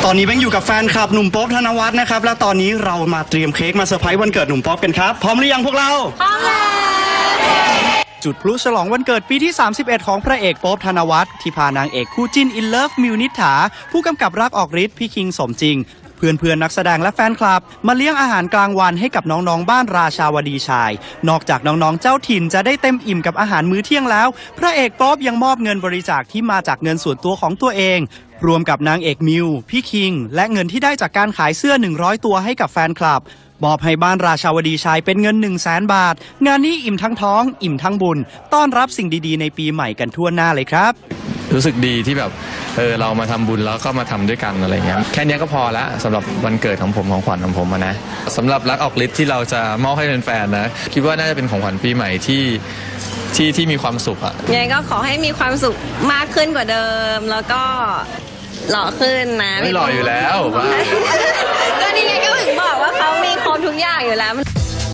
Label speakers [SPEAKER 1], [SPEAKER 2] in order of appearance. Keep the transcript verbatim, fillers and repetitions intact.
[SPEAKER 1] ตอนนี้แบงค์อยู่กับแฟนคลับหนุ่มโป๊ปธนวัฒน์นะครับและตอนนี้เรามาเตรียมเค้กมาเซอร์ไพรส์วันเกิดหนุ่มโป๊ปกันครับพร้อมหรือยังพวกเราพร้อมแล้วจุดพลุฉลองวันเกิดปีที่สามสิบเอ็ดของพระเอกโป๊ปธนวัฒน์ที่พานางเอกคู่จิ้นอินเลิฟมิวนิษฐาผู้กำกับรักออกฤทธิ์พี่คิงสมจริงเพื่อนเพื่อนนักแสดงและแฟนคลับมาเลี้ยงอาหารกลางวันให้กับน้องๆบ้านราชาวดีชายนอกจากน้องๆเจ้าถิ่นจะได้เต็มอิ่มกับอาหารมื้อเที่ยงแล้วพระเอกโป๊ปยังมอบเงินบริจาคที่มาจากเงินส่วนตัวของตัวเองรวมกับนางเอกมิวพี่คิงและเงินที่ได้จากการขายเสื้อหนึ่งร้อยตัวให้กับแฟนคลับมอบให้บ้านราชาวดีชายเป็นเงิน หนึ่งแสน บาทงานนี้อิ่มทั้งท้องอิ่มทั้งบุญต้อนรับสิ่งดีๆในปีใหม่กันทั่วหน้าเลยครับ
[SPEAKER 2] รู้สึกดีที่แบบเออเรามาทำบุญแล้วก็มาทำด้วยกันอะไรเงี้ยแค่นี้ก็พอแล้วสำหรับวันเกิดของผมของขวัญของผมนะสำหรับรักออกฤทธิ์ที่เราจะมอบให้แฟนๆนะคิดว่าน่าจะเป็นของขวัญปีใหม่ที่ที่ที่มีความสุขอะ
[SPEAKER 3] ยังไงก็ขอให้มีความสุขมากขึ้นกว่าเดิมแล้วก็หล่อขึ้นนะ
[SPEAKER 2] ไม่หล่ออยู่แล้ว
[SPEAKER 3] ก็นี่ไงก็ถึงบอกว่าเขามีครบทุกอย่างอยู่แล้ว